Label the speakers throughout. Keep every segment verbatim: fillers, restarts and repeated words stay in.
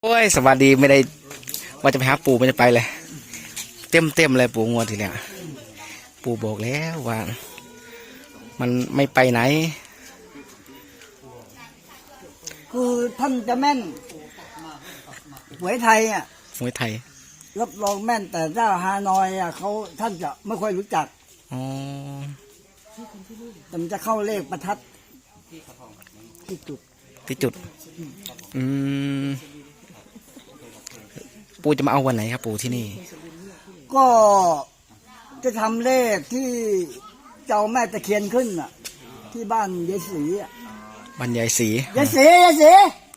Speaker 1: โอ้ยสวัสดีไม่ได้ว่าจะไปหาปู่ไม่ได้ไปเลยเต็มเต็มเลยปู่งวดทีเนี้ยปู่บอกแล้วว่ามันไม่ไปไหน
Speaker 2: คือท่านจะแม่นหวยไทยอ่ะ
Speaker 1: หวยไทย
Speaker 2: รับรองแม่นแต่เจ้าฮานอยอ่ะเขาท่านจะไม่ค่อยรู้จัก
Speaker 1: อ๋อ
Speaker 2: แต่มันจะเข้าเลขประทัดที่จุด
Speaker 1: ที่จุดอืมปู่จะมาเอาวันไหนครับปู่ที่นี่
Speaker 2: ก็จะทำเลขที่เจ้าแม่ตะเคียนขึ้นอ่ะที่บ้านยายศรีอ่ะ
Speaker 1: บ้านยายศรี
Speaker 2: ยายศรียายศรี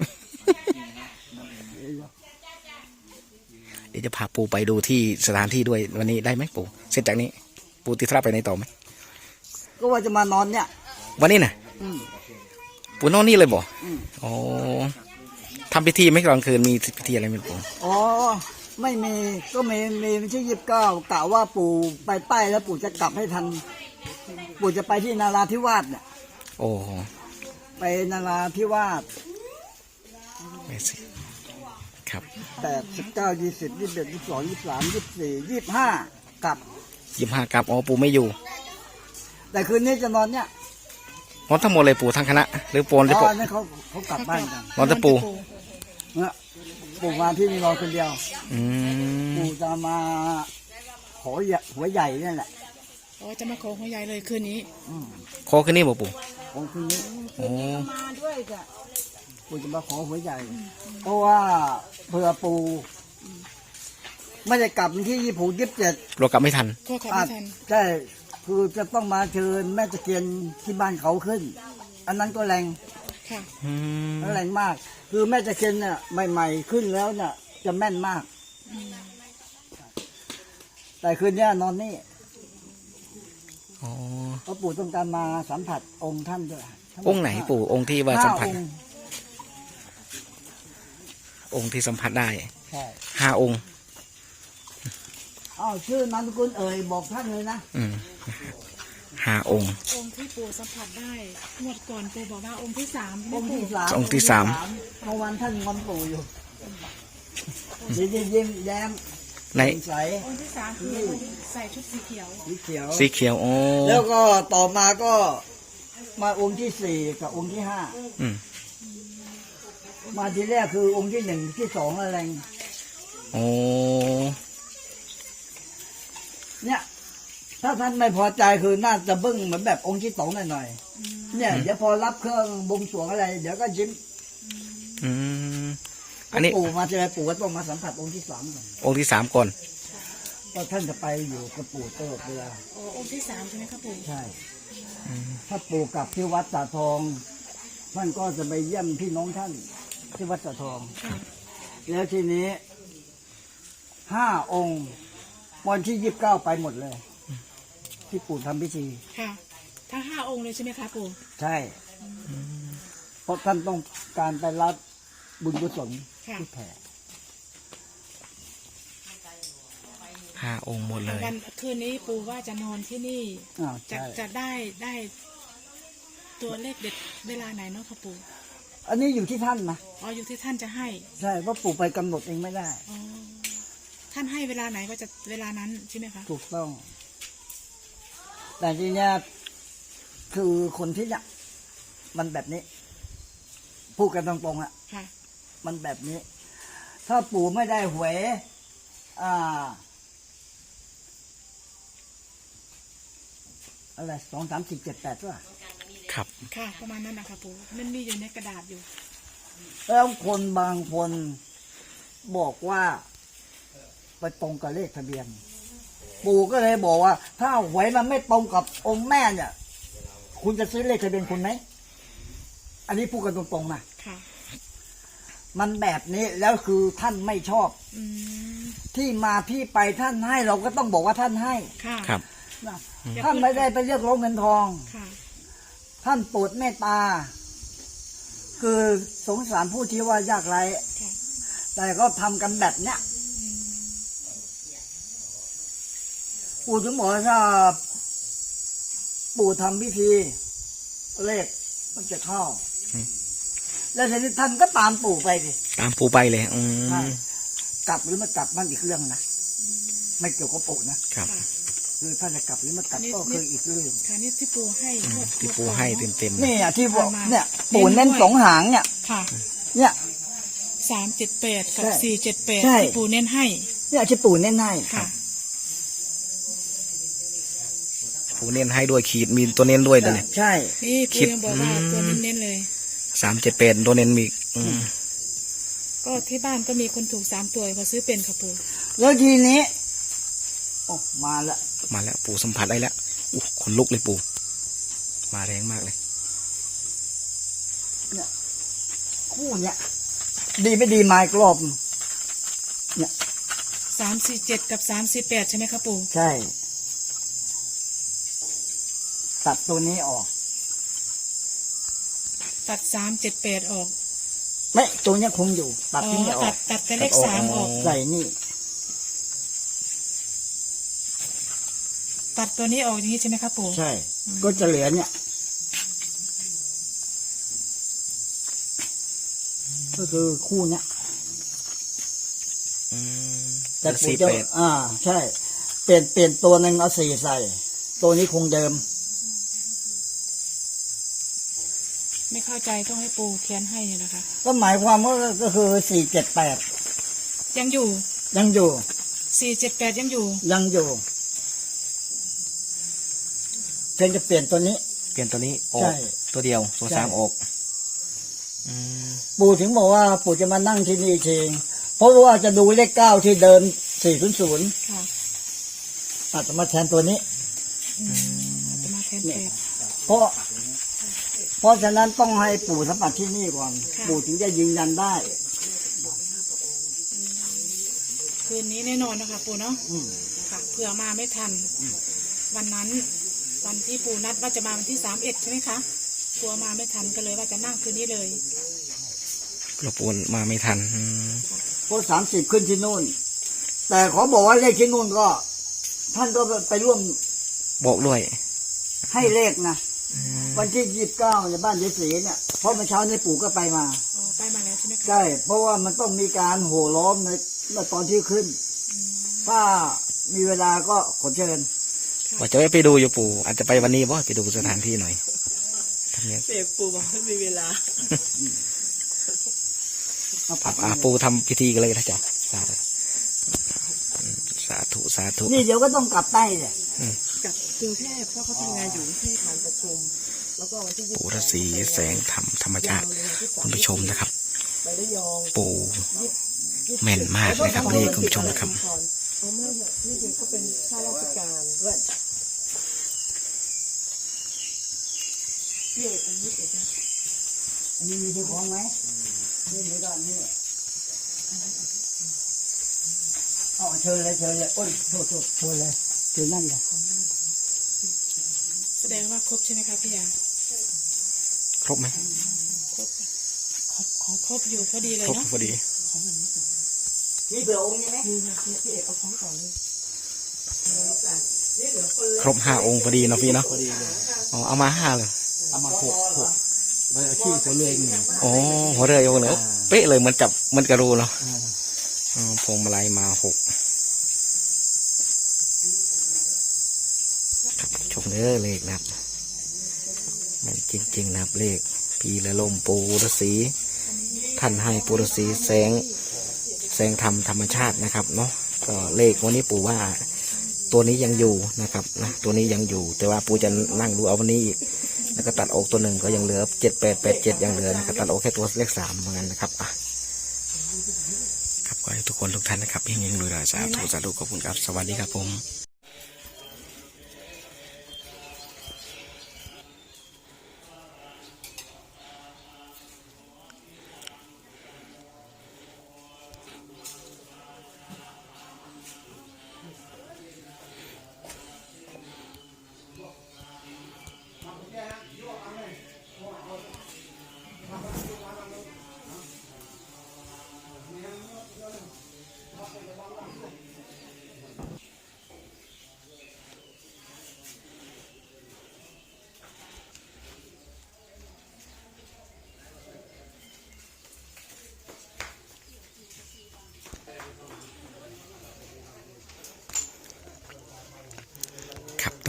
Speaker 1: เดี๋ยวจะพาปู่ไปดูที่สถานที่ด้วยวันนี้ได้ไหมปู่เสร็จจากนี้ปู่ติดธุระไปในต่อไหม
Speaker 2: ก็ว่าจะมานอนเนี่ย
Speaker 1: วันนี้นะปู่นอนนี่เลยบ่อ๋อทำพิธีไหมกลางคืนมีพิธีอะไรไหมปู่
Speaker 2: อ๋อไม่มีก็มีมีวันที่ยี่สิบเก้ากะว่าปู่ไปใต้แล้วปู่จะกลับให้ทันปู่จะไปที่นาราธิวาสเนี่ย
Speaker 1: โอ้
Speaker 2: ไปนาราธิวาส
Speaker 1: ไม่สิครับ
Speaker 2: แปดสิบเก้ายี่สิบยี่สิบเอ็ดยี่สิบสองยี่สิบสามยี่สิบสี่ยี่สิบห้ากลับ
Speaker 1: ยี่สิบห้ากลับอ๋อปู่ไม่อยู่
Speaker 2: แต่คืนนี้จะนอนเนี่ย
Speaker 1: นอนทั้งหมดเลยปู่ทั้งคณะหรือปูนหรือ
Speaker 2: ปู่
Speaker 1: อ๋
Speaker 2: อนี่เขาเขากลับบ้านกัน
Speaker 1: นอนแต่ปู่
Speaker 2: เนี่ยปู่มาที่นี่รอคนเดียวปู่จะมาขอหัวใหญ่นี่แหละ
Speaker 3: อ๋อจะมาขอหัวใหญ่เลยคืนนี้
Speaker 1: ขอคืนนี้บ่ปู่
Speaker 2: ขอคืนนี้
Speaker 1: โอ้
Speaker 2: มาด้วยจ้ะปู่จะมาขอหัวใหญ่เพราะว่าเผื่อปู่ไม่ได้กลับที่ยี่สิบยี่สิบเจ็ด
Speaker 1: เรากลับไม่ทัน
Speaker 3: ก็กลับไม่ทัน
Speaker 2: ใช่คือจะต้องมาเชิญแม่ตะเคียนที่บ้านเขาขึ้นอันนั้นก็แรง
Speaker 3: ค่ะ
Speaker 2: แรงมากคือแม่ตะเคียนเนี่ยใหม่ๆขึ้นแล้วเนี่ยจะแม่นมากแต่คืนนี้นอนนี่เพราะปู่ต้องการมาสัมผัสองค์ท่านด้วย
Speaker 1: องค์ไหนปู่องค์ที่ว่าสัมผัสองค์ที่สัมผัสได้
Speaker 2: ใช่
Speaker 1: ห้าองค์
Speaker 2: อ้าวชื่อนามสกุลเอ่ยบอกท่านเลยนะ
Speaker 1: อืมห้าองค์
Speaker 3: องค์ที่ปู่สัมผัสได้งวดก่อนปู่บอกว่าองค์ที่สาม
Speaker 2: องค์ที่สาม
Speaker 1: องค์ที่สาม
Speaker 2: เมื่อวานท่านงอนปู่อยู่ยิ้มยิ้มแย้ม
Speaker 1: ใน
Speaker 2: ใส
Speaker 3: องค์ที่สามคือใส่ชุดสีเขียว
Speaker 2: สีเขียว
Speaker 1: สีเขียวโอ้
Speaker 2: แล้วก็ต่อมาก็มาองค์ที่สี่กับองค์ที่ห้ามาทีแรกคือองค์ที่หนึ่งที่สองอะไร
Speaker 1: โอ้
Speaker 2: เนี่ยถ้าท่านไม่พอใจคือน่าจะบึ้งเหมือนแบบองค์ที่สองหน่อยๆเนี่ยเดี๋ยวพอรับเครื่องบวงสรวงอะไรเดี๋ยวก็ยิ้ม
Speaker 1: อืมอันนี้
Speaker 2: ปู่มาเจอปู่ก็ต้องมาสัมผัสองค์ที่สามก่อน
Speaker 1: องค์ที่สามก่อน
Speaker 2: ก็ท่านจะไปอยู่กับปู่ตลอดเวลา
Speaker 3: อ๋อองค์ที่สามใช่ไหมครับปู่
Speaker 2: ใช่ถ้าปู่กลับที่วัดสาทองท่านก็จะไปเยี่ยมพี่น้องท่านที่วัดสาทองแล้วทีนี้ห้าองค์วันที่ยี่สิบเก้าไปหมดเลยที่ปู่ทำพิธี
Speaker 3: ค่ะทั้งห้าองค์เลยใช่ไหมคะปู่
Speaker 2: ใช่เพราะท่านต้องการไปรับบุญกุศลที่แผ่
Speaker 1: ห้าองค์หมดเลย
Speaker 3: วันคืนนี้ปู่ว่าจะนอนที่นี่จะจะได้ได้ตัวเลขเด็ดเวลาไหนเนาะค่ะปู่
Speaker 2: อันนี้อยู่ที่ท่านนะ
Speaker 3: อ๋ออยู่ที่ท่านจะให้
Speaker 2: ใช่เพราะปู่ไปกำหนดเองไม่ได้
Speaker 3: อ๋อท่านให้เวลาไหนก็จะเวลานั้นใช่ไหมคะ
Speaker 2: ถูกต้องแต่ทีเนี้ยคือคนที่เนี่ยมันแบบนี้พูดกันตรงๆอ่ะมันแบบนี้ถ้าปู่ไม่ได้หวยอ่าอะไรสองสามสิบเจ็ดแปดว่ะ
Speaker 1: ครับ
Speaker 3: ค่ะประมาณนั้นนะคะปู่มันมีอยู่ในกระดาษอยู่
Speaker 2: แล้วคนบางคนบอกว่าไปตรงกับเลขทะเบียนปู่ก็เลยบอกว่าถ้าหวยมันไม่ตรงกับองค์แม่เนี่ยคุณจะซื้อเลขทะเบียนคุณไหมอันนี้พูดกันตรงๆนะมันแบบนี้แล้วคือท่านไม่ชอบที่มาที่ไปท่านให้เราก็ต้องบอกว่าท่านให้
Speaker 1: ครับ
Speaker 2: ท่านไม่ได้ไปเรียกร้องเงินทองท่านโปรดเมตตาคือสงสารผู้ที่ว่ายากไร้แต่ก็ทำกันแบบเนี้ยปู่ถึงบอกถ้าปู่ทำพิธีเลขมันจะเข้าแล้วทีนี้ท่านก็ตามปู่ไปดิ
Speaker 1: ตามปูไปเลยอื
Speaker 2: ใช่
Speaker 1: ม
Speaker 2: กลับหรือไม่กลับมันอีกเรื่องนะไม่เกี่ยวกับปู่นะครับ
Speaker 3: ค่ะ
Speaker 2: คือถ้าจะกลับหรือไม่กลับ
Speaker 3: นี่
Speaker 2: ก็คืออีกเรื่อง
Speaker 3: ค่ะนี่ที่ปูให้งวด
Speaker 1: ที่ปูให้เต็มเต็ม
Speaker 2: นี่อ่ะที่บอก
Speaker 3: มา
Speaker 2: เนี่ย ปู่เน้นสองหางเนี่ย
Speaker 3: ค่ะ
Speaker 2: เนี่ย
Speaker 3: สามเจ็ดแปดกับ
Speaker 2: ใช่
Speaker 3: สี่เจ็ดแปด
Speaker 2: ใช่
Speaker 3: ที่ปูเน้นให้
Speaker 2: เนี่ยที่ปู่เน้นให้
Speaker 3: ค่ะ
Speaker 1: ปูเน้นให้ด้วยขีดมีตัวเน้นด้วยนะเนี่ย
Speaker 2: ใช่
Speaker 3: นี่
Speaker 1: คิ
Speaker 3: ปู
Speaker 1: ด
Speaker 3: ยังบอกว่า
Speaker 1: อืม
Speaker 3: ตัวเน้นๆเลย
Speaker 1: สามเจ็ดแปดตัวเน้นมีอืม
Speaker 3: ก็ที่บ้านก็มีคนถูกสามตัวเขาซื้อเป็นค่ะปู
Speaker 2: แล้วทีนี้โอ้มาละ
Speaker 1: มาแล้วปูสัมผัสได้แล้วอู้ขนลุกเลยปูมาแรงมากเลย
Speaker 2: เนี่ยคู่เนี่ยดีไม่ดีมาอีกรอบเนี่ย
Speaker 3: สามสี่เจ็ดกับสามสี่แปดใช่ไหมคะปู
Speaker 2: ใช่ ตัดตัวนี้ออก
Speaker 3: ตัดสามเจ็ดแปดออก
Speaker 2: ไม่ตัวเนี้ยคงอยู่ ตัด
Speaker 3: อ๋อ
Speaker 2: ที่นี่อ
Speaker 3: ตั
Speaker 2: อ
Speaker 3: ด
Speaker 2: ก
Speaker 3: ตัดแต่เลขสามออก
Speaker 2: ใส่นี่
Speaker 3: ตัดตัวนี้ออกอย่างนี้ใช่ไหมคะปู
Speaker 2: ใช่ ก็จะเหลือเนี่ย ก็คือคู่เนี้ย
Speaker 1: อืม
Speaker 2: แต่ปู่
Speaker 1: สี่
Speaker 2: จะ
Speaker 1: แปด
Speaker 2: อ่า ใช่ เปลี่ยนเปลี่ยนตัวหนึ่งเอาสี่ใส่ ตัวนี้คงเดิม
Speaker 3: ไม่เข้าใจต้องให้ปูเขียนให้เนี่ยนะคะ
Speaker 2: ก็หมายความว่าก็คือสี่เจ็ดแปด
Speaker 3: ยังอยู่
Speaker 2: ยังอยู่
Speaker 3: สี่เจ็ดแปดยังอยู่
Speaker 2: ยังอยู่เพียงจะเปลี่ยนตัวนี้
Speaker 1: เปลี่ยนตัวนี้ออ
Speaker 2: ใช่
Speaker 1: กตัวเดียวตัว
Speaker 2: ใช่
Speaker 1: สามออกอืม
Speaker 2: ปู่ถึงบอกว่าปู่จะมานั่งที่นี่เองเพราะว่าจะดูเลขเก้าที่เดิมสี่ศูนย์ศูนย์
Speaker 3: ค่ะ
Speaker 2: อาจจะมาแทนตัวนี้
Speaker 3: อืมอาจจะมาแทนแปด
Speaker 2: เพราะ เพราะฉะนั้นต้องให้ปู่สัมผัสที่นี่ก่อน
Speaker 3: ค่ะ
Speaker 2: ปู่ถึงจะยืนยันได้
Speaker 3: คืนนี้แน่นอนนะคะปูเนาะ
Speaker 2: อืม
Speaker 3: ค่ะเผื่อมาไม่ทัน วันนั้น วันที่ปูนัดว่าจะมาวันที่สามเอ็ดใช่ไหมคะกลัวมาไม่ทันก็เลยว่าจะนั่งคืนนี้เลย
Speaker 1: กระปูนมาไม่ทันอืม
Speaker 2: เพราะสามสิบขึ้นที่นู่น แต่ขอบอกว่าเลขที่นู่นก็ ท่านก็ไปร่วม
Speaker 1: บอกด้วย
Speaker 2: ให้เลขนะวันที่ยี่สิบเก้าในบ้านยายศรีเนี่ยเพราะเมื่อเช้านี้ปู่ก็ไปมา
Speaker 3: อ๋อไปมาแล้วใช่ไหมคะ
Speaker 2: ใช่เพราะว่ามันต้องมีการโห่ล้อมในในตอนที่ขึ้น ถ้ามีเวลาก็ขอเชิญ
Speaker 1: ว่าจะไปดูอยู่ปู่อาจจะไปวันนี้บ่ไปดูสถานที่หน่อยทำเนี้ย
Speaker 3: เปียกปูบอกไม่มีเวลา
Speaker 1: อ่ะอ่ะปู่ทำพิธีกันเลยนะจ๊ะสาธุอืมสาธุสาธุ
Speaker 2: นี่เดี๋ยวก็ต้องกลับใต้เนี่ย
Speaker 4: กับกรุงเทพเพราะเขาทำงานอยู่กรุงเทพงานประชุม แล้วก็วันที่ยี่สิบ
Speaker 1: ปู่ฤาษีแสงธรรมธรรมชาติคุณผู้ชมนะครับ
Speaker 4: ไประยอง
Speaker 1: ปู่แม่นมากนะครับนี่คุณผู้ชมนะครับ
Speaker 4: เอาไม่เถอะนี่เด็กเขาเป็นข้าราชการด้วย
Speaker 2: อันนี้มีที่ของไหมนี่มีด้านนี้อ๋อเชิญเลยเชิญเลยโอ้ยโทษโทษเชิญเลยเชิญนั่นเลย
Speaker 3: แสดงว่าครบใช่ไหมคะพี่ยา
Speaker 1: ครบไหม
Speaker 3: ครบครบครบครบอยู่พอดีเลย
Speaker 1: ครบ
Speaker 3: เนาะ
Speaker 1: พอดี
Speaker 2: นี่เผื่อองค์นี้ไหม
Speaker 4: นี่นะเนี่ยพี่เอกเอาของก่อนเลย
Speaker 1: ครบห้าองค์พอดีเนาะพี่เนาะอ๋อเอามาห้าเลย
Speaker 2: เอามาหกหกใบที่หัวเรือหนึ่ง
Speaker 1: อ๋อหัวเรือโยงเนอะเป๊ะเลยเหมือนจับเหมือนกระรูเนาะอ๋อพวงมาลัยมาหกครับชมเด้อเลขนะครับมันจริงๆนะครับเลขปีละลมปูฤาษีท่านให้ปูฤาษีแสงแสงธรรมธรรมชาตินะครับเนาะก็เลขวันนี้ปู่ว่าตัวนี้ยังอยู่นะครับนะตัวนี้ยังอยู่ แต่ว่าปู่จะนั่งดูเอาวันนี้อีกแล้วก็ตัดออกตัวหนึ่งก็ยังเหลือเจ็ดแปดแปดเจ็ดยังเหลือนะครับตัดออกแค่ตัวเลขสามเหมือนกันนะครับอ่ะครับขอให้ทุกคนทุกท่านนะครับเฮงๆรวยๆสาธุสาธุขอบคุณครับสวัสดีครับผม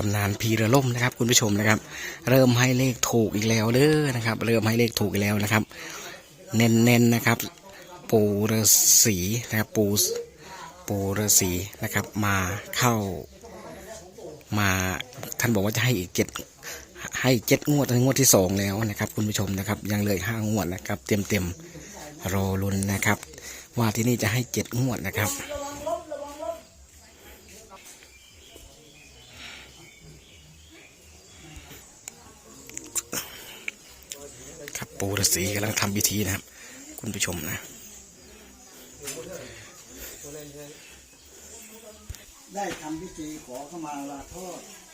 Speaker 1: ำนานพีระล่มนะครับ คุณผู้ชมนะครับ เริ่มให้เลขถูกอีกแล้วเด้อนะครับ เริ่มให้เลขถูกอีกแล้วนะครับ เน้นๆนะครับ ปูฤาษีนะครับปูปูฤาษีนะครับ มาเข้ามาท่านบอกว่าจะให้อีกเจ็ดให้เจ็ดงวดงวดที่สองแล้วนะครับ คุณผู้ชมนะครับ ยังเหลือห้างวดนะครับ เต็มเต็มๆรอลุ้นนะครับ ว่าที่นี่จะให้เจ็ดงวดนะครับครับปูฤาษีกำลังทำพิธีนะครับ คุณผู้ชมนะ
Speaker 2: ได้ทำพิธีขอเข้ามาลาโทษ